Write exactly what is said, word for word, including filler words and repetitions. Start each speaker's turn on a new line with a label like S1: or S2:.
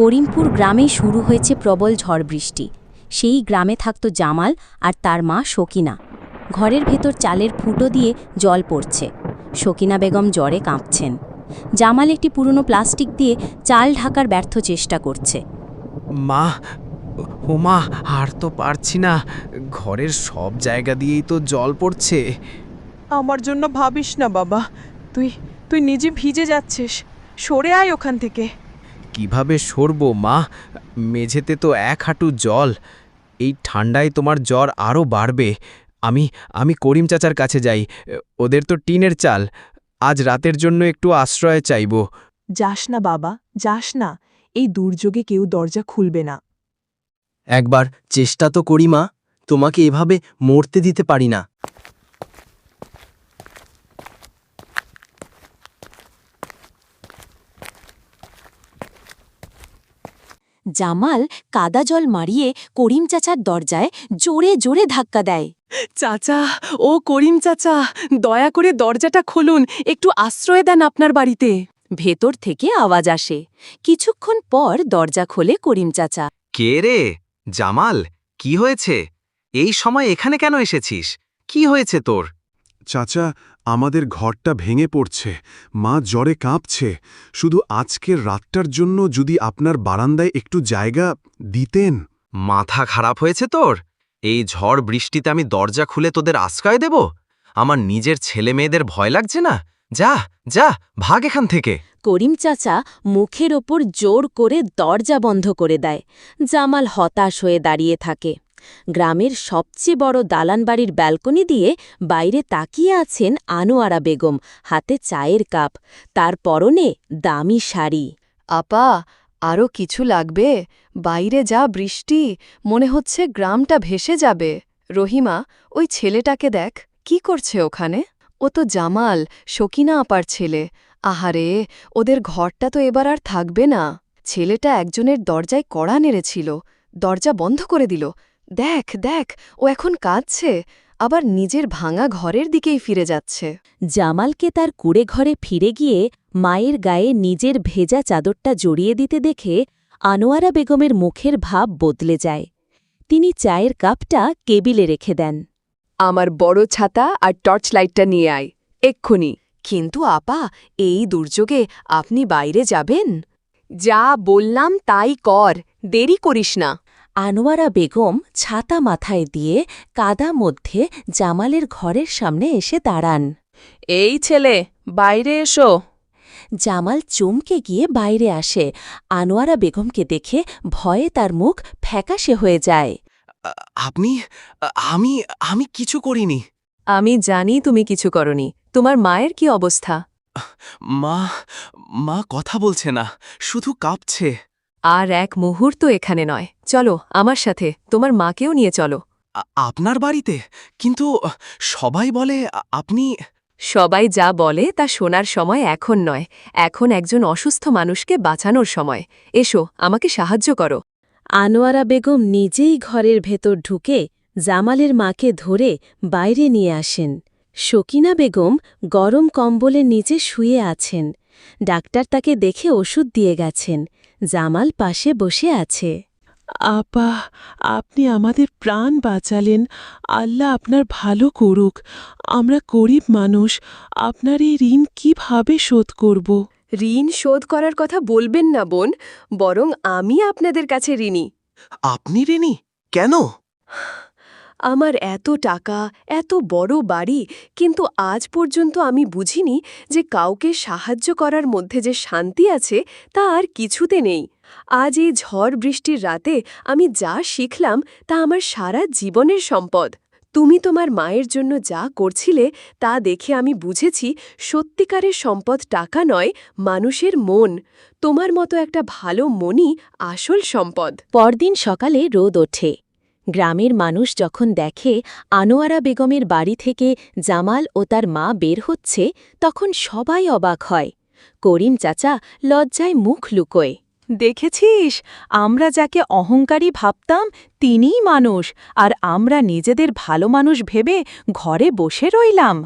S1: করিমপুর গ্রামে শুরু হয়েছে প্রবল ঝড় বৃষ্টি। সেই গ্রামে থাকত জামাল আর তার মা শকিনা। ঘরের ভেতর চালের ফুটো দিয়ে জল পড়ছে। শকিনা বেগম জ্বরে কাঁপছেন। জামাল একটি পুরনো প্লাস্টিক দিয়ে চাল ঢাকার ব্যর্থ চেষ্টা করছে।
S2: মা, ও মা, আর তো পারছি না। ঘরের সব জায়গা দিয়েই তো জল পড়ছে।
S3: আমার জন্য ভাবিস না বাবা, তুই তুই নিজে ভিজে যাচ্ছিস। সরে আয় ওখান থেকে।
S2: কিভাবে সরবো মা? মেঝেতে তো এক হাঁটু জল। এই ঠান্ডায় তোমার জ্বর আরও বাড়বে। আমি আমি করিম চাচার কাছে যাই। ওদের তো টিনের চাল। আজ রাতের জন্য একটু আশ্রয় চাইব।
S3: যাস না বাবা, যাস না। এই দুর্যোগে কেউ দরজা খুলবে না।
S4: একবার চেষ্টা তো করি মা, তোমাকে এভাবে মরতে দিতে পারি না।
S1: জামাল কাদা জল মারিয়ে করিম চাচার দরজায় জোরে জোরে ধাক্কা দেয়।
S5: চাচা, ও করিম চাচা, দয়া করে দরজাটা খুলুন, একটু আশ্রয় দেন আপনার বাড়িতে।
S1: ভেতর থেকে আওয়াজ আসে। কিছুক্ষণ পর দরজা খোলে করিম চাচা।
S6: কে রে? জামাল, কি হয়েছে? এই সময় এখানে কেন এসেছিস? কি হয়েছে তোর?
S7: চাচা, আমাদের ঘরটা ভেঙে পড়ছে। মা জ্বরে কাঁপছে। শুধু আজকের রাতটার জন্য যদি আপনার বারান্দায় একটু জায়গা দিতেন।
S6: মাথা খারাপ হয়েছে তোর? এই ঝড় বৃষ্টিতে আমি দরজা খুলে তোদের আশ্রয় দেব? আমার নিজের ছেলে মেয়েদের ভয় লাগছে না? যা যা, ভাগ এখান থেকে।
S1: করিম চাচা মুখের ওপর জোর করে দরজা বন্ধ করে দেয়। জামাল হতাশ হয়ে দাঁড়িয়ে থাকে। গ্রামের সবচেয়ে বড় দালান বাড়ির ব্যালকনি দিয়ে বাইরে তাকিয়ে আছেন আনোয়ারা বেগম, হাতে চায়ের কাপ, তার পরনে দামি শাড়ি।
S5: আপা, আরও কিছু লাগবে? বাইরে যা বৃষ্টি, মনে হচ্ছে গ্রামটা ভেসে যাবে। রহিমা, ওই ছেলেটাকে দেখ, কি করছে ওখানে? ও তো জামাল, শকিনা আপার ছেলে। আহারে, ওদের ঘরটা তো এবার আর থাকবে না। ছেলেটা একজনের দরজায় কড়া নেড়েছিল, দরজা বন্ধ করে দিল। দেখ দেখ, ও এখন কাঁদছে, আবার নিজের ভাঙা ঘরের দিকেই ফিরে যাচ্ছে।
S1: জামালকে তার কুড়ে ঘরে ফিরে গিয়ে মায়ের গায়ে নিজের ভেজা চাদরটা জড়িয়ে দিতে দেখে আনোয়ারা বেগমের মুখের ভাব বদলে যায়। তিনি চায়ের কাপটা কেবিলে রেখে দেন।
S5: আমার বড় ছাতা আর টর্চ লাইটটা নিয়ে আয়, এক্ষুনি। কিন্তু আপা, এই দুর্যোগে আপনি বাইরে যাবেন? যা বললাম তাই কর, দেরি করিস না।
S1: আনোয়ারা বেগম ছাতা মাথায় দিয়ে কাদা মধ্যে জামালের ঘরের সামনে এসে দাঁড়ান।
S5: এই ছেলে, বাইরে এসো।
S1: জামাল চমকে গিয়ে বাইরে আসে। আনোয়ারা বেগমকে দেখে ভয়ে তার মুখ ফ্যাকাশে হয়ে যায়।
S2: আপনি? আমি আমি কিছু করিনি।
S5: আমি জানি তুমি কিছু করনি। তোমার মায়ের কি অবস্থা?
S2: মা মা কথা বলছে না, শুধু কাঁপছে।
S5: আর এক মুহূর্ত এখানে নয়, চলো আমার সাথে, তোমার মাকেও নিয়ে চলো।
S2: আ- আপনার বাড়িতে? কিন্তু সবাই বলে আ- আপনি।
S5: সবাই যা বলে তা শোনার সময় এখন নয়, এখন একজন অসুস্থ মানুষকে বাঁচানোর সময়। এসো, আমাকে সাহায্য করো।
S1: আনোয়ারা বেগম নিজেই ঘরের ভেতর ঢুকে জামালের মাকে ধরে বাইরে নিয়ে আসেন। শকিনা বেগম গরম কম্বলের নিচে শুয়ে আছেন। ডাক্তার তাকে দেখে ওষুধ দিয়ে গেছেন। জামাল পাশে বসে আছে।
S3: আপা, আপনি আমাদের প্রাণ বাঁচালেন। আল্লাহ আপনার ভালো করুক। আমরা গরিব মানুষ, আপনার এই ঋণ কিভাবে শোধ করব?
S5: ঋণ শোধ করার কথা বলবেন না বোন, বরং আমি আপনাদের কাছে ঋণী।
S2: আপনি ঋণী? কেন?
S5: আমার এত টাকা, এত বড় বাড়ি, কিন্তু আজ পর্যন্ত আমি বুঝিনি যে কাউকে সাহায্য করার মধ্যে যে শান্তি আছে তা আর কিছুতে নেই। আজ এই ঝড় বৃষ্টির রাতে আমি যা শিখলাম তা আমার সারা জীবনের সম্পদ। তুমি তোমার মায়ের জন্য যা করছিলে তা দেখে আমি বুঝেছি সত্যিকারের সম্পদ টাকা নয়, মানুষের মন। তোমার মতো একটা ভালো মনই আসল সম্পদ।
S1: পরদিন সকালে রোদ ওঠে। গ্রামের মানুষ যখন দেখে আনোয়ারা বেগমের বাড়ি থেকে জামাল ও তার মা বের হচ্ছে, তখন সবাই অবাক হয়। করিম চাচা লজ্জায় মুখ লুকোয়।
S5: দেখেছিস, আমরা যাকে অহংকারী ভাবতাম তিনিই মানুষ, আর আমরা নিজেদের ভালো মানুষ ভেবে ঘরে বসে রইলাম।